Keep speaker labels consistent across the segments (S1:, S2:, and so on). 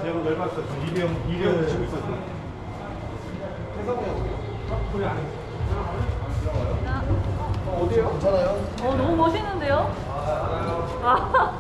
S1: 제가 열받았어. 이대형 치고 있었어. 거기 안에.
S2: 어디에요? 괜찮아요?
S3: 너무 멋있는데요? 아.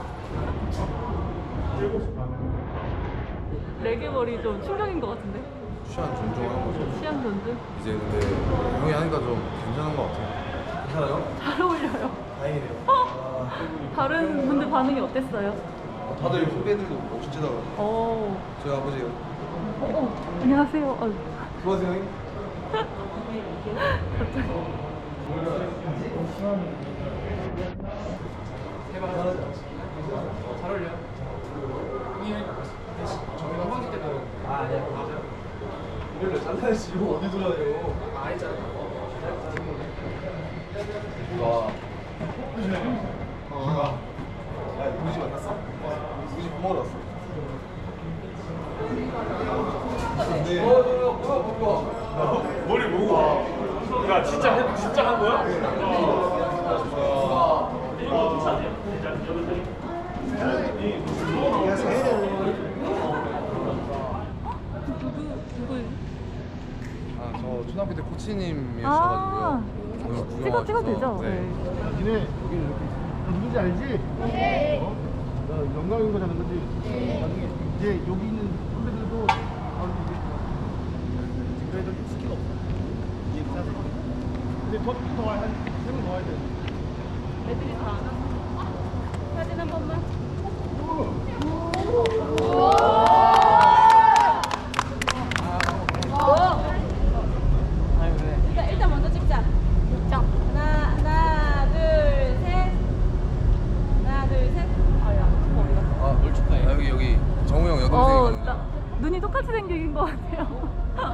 S3: 레게 머리 좀 충격인 것 같은데?
S2: 취향 존중하는 거죠.
S3: 취향 존중?
S2: 이제 근데 형이 하니까 좀 괜찮은 것 같아요. 괜찮아요?
S3: 잘 어울려요.
S2: 다행이네요.
S3: 다른 분들 반응이 어땠어요?
S2: 다들 후배들도 멋지더라고요.
S3: 오.
S2: 저희 아버지가.
S3: 안녕하세요.
S2: 수고하세요 형님.
S3: 갑자기.
S1: 잘 어울려. 저희가 화장실 때도 네 맞아요. 이걸로 잘라야지. 이거 어디 돌아요? 했잖아.
S2: 와. 야, 우지 만났어? 우지 밥 먹으러 왔어. 근데
S1: 머리 뭐고? 야 진짜 한 거야?
S3: 누구?
S2: 아, 저 초등학교 때 코치님이셨어가지고요.
S3: 아.
S2: 오늘
S3: 찍어도 되죠?
S2: 네.
S4: 니네 여기 이렇게 누군지 알지? 네. 나 영광인 거잖아, 그지? 나중에 이제 여기 있는 선배들도 그래도 스키가 없어. 근데 더 와야 한세번더 와야 돼.
S3: 애들이 다 안 와서. 사진 한 번만.
S5: 일단 먼저 찍자. 하나, 둘, 셋. 하나, 둘, 셋. 아야, 어디 갔어?
S2: 아, 뭘 축하해? 아, 여기 정우 형 여동생이거든요.
S3: 눈이 똑같이 생긴 것 같아요.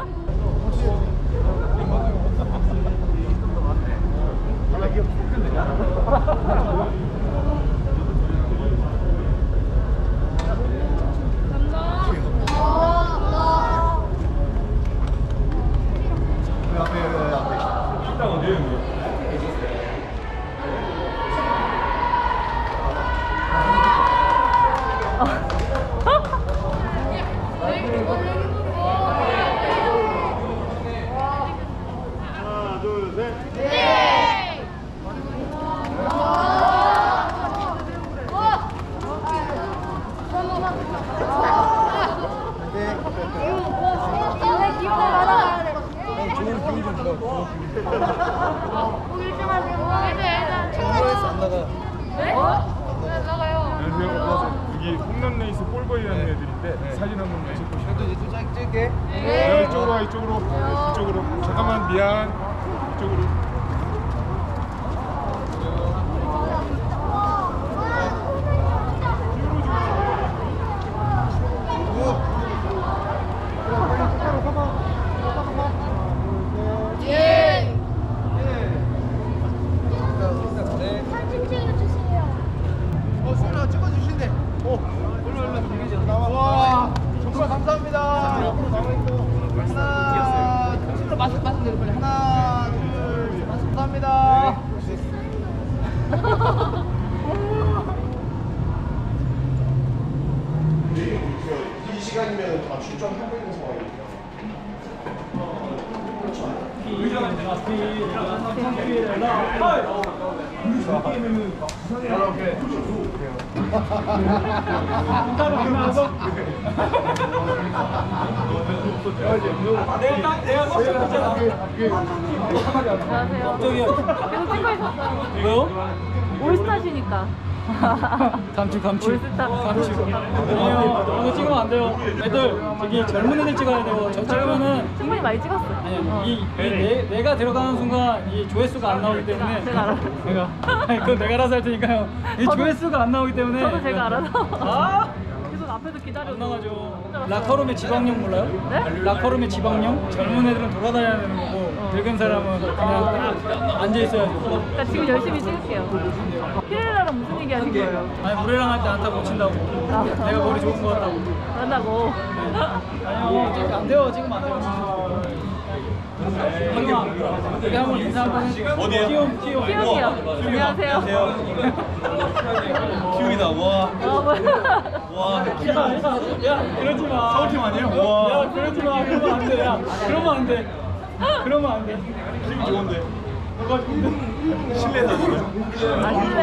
S1: 식당 어디에요? 형님?
S4: 하나, 둘, 셋.
S2: 정우에서 안 나가.
S1: 안녕하세요. 여기 홈런 레이스 볼보이라는 애들인데 사진 한번 찍고 싶어요.
S2: 저도 이제 또 찍게.
S1: 이쪽으로 와, 이쪽으로. 이쪽으로. 잠깐만 미안. 이쪽으로.
S2: 수인아 찍어주신대. 와, 정말 감사합니다. 하나, 손으로 말씀드려 빨리. 하나, 둘, 감사합니다.
S4: 이 시간이면 다 출전하고 있는 상황이니까.
S3: 안녕하세요. 계속 찍고 있었어요.
S6: 왜요?
S3: 올스타시니까.
S6: 감축.
S3: 올스타.
S6: 아니에요. 그런 거 찍으면 안 돼요. 애들 저기 젊은 애들 찍어야 돼요. 저 찍으면은
S3: 충분히 많이 찍었어.
S6: 아니 내가 들어가는 순간 이 조회수가 안 나오기 때문에
S3: 제가 알아서.
S6: 그건 내가 알아서 할 테니까요. 이 조회수가 안 나오기 때문에
S3: 저도 제가 알아서.
S6: 아!
S3: 계속 앞에서 기다려.
S6: 안 나가죠. 라커룸의 지방령 몰라요?
S3: 네?
S6: 라커룸의 지방령? 젊은 애들은 돌아다녀야 되는 거고 늙은 사람은 그냥 딱 앉아 있어야죠.
S3: 그러니까 지금 열심히 찍을게요. 피렐라랑 무슨 얘기 하신 거예요?
S6: 아니 우리랑 할 때 안타 못 친다고. 내가 머리 좋은 거 같다고.
S3: 그런다고.
S6: 아니요, 안 돼요. 지금 안 돼요. 여기 한번 인사 한번 해.
S7: 어디에요?
S6: 키움.
S5: 키움이요. 안녕하세요.
S7: 키움이다. 와. 와.
S6: 야, 그러지 마.
S7: 서울팀 아니에요? 와.
S6: 야, 그러지 마. 그러면 안 돼. 야, 그러면 안 돼. 그러면 안 돼.
S7: 키움 좋은데.
S6: 뭐가 좋은데?
S7: 실내 선수요.
S5: 아실래?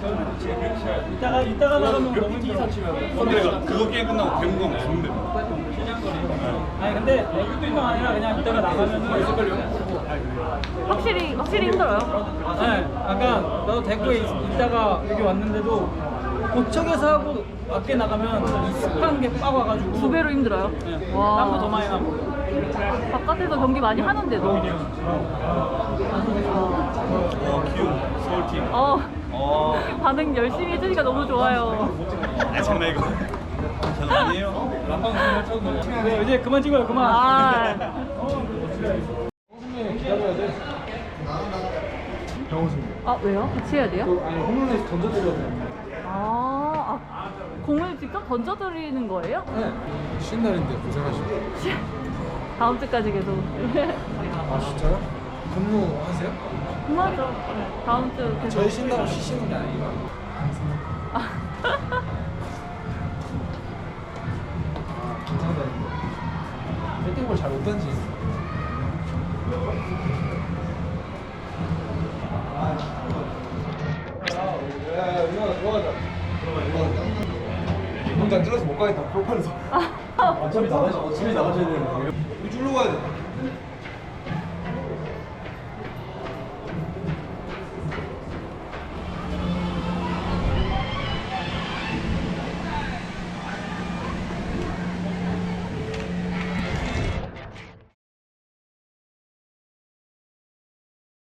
S6: 이따가 나가면 너무 힘들어.
S7: 선배가 그거 게임 끝나고 배운 거 좋은데.
S6: 아니 근데 배구뿐만 아니라 그냥 이따가 나가면은
S5: 확실히 힘들어요.
S6: 네, 아까 나도 대구에 있다가 여기 왔는데도 고척에서 하고 밖에 나가면 습한 게 빡 와가지고
S5: 2배로 힘들어요.
S6: 네,
S5: 와.
S6: 땀도 더 많이 나고.
S5: 바깥에서 경기 많이 하는데도.
S7: 와 키움 서울팀.
S5: 반응 열심히 해주니까 너무 좋아요.
S7: 아 장난 이거. 장난이에요?
S6: 네, 이제 그만 찍어요, 그만.
S5: 아,
S1: 기다려야 돼.
S5: 왜요? 같이 해야 돼요?
S1: 아니 홈런에서 던져드려야 돼.
S5: 공을 직접 던져드리는 거예요?
S1: 네. 쉬는 날인데 고생하시고.
S5: 다음 주까지 계속.
S1: 아 진짜요? 근무하세요?
S5: 그만하죠. 다음 주 계속.
S1: 저희 쉰다고 쉬시는 게 아니에요. 괜찮다. 배팅볼 잘 못 던지. 야, 누나 들어가자. 공장 찔러서 못 가겠다. 프로파일에서. 어차피 나가셔야 되는 거예요. 이거 줄로 가야 돼.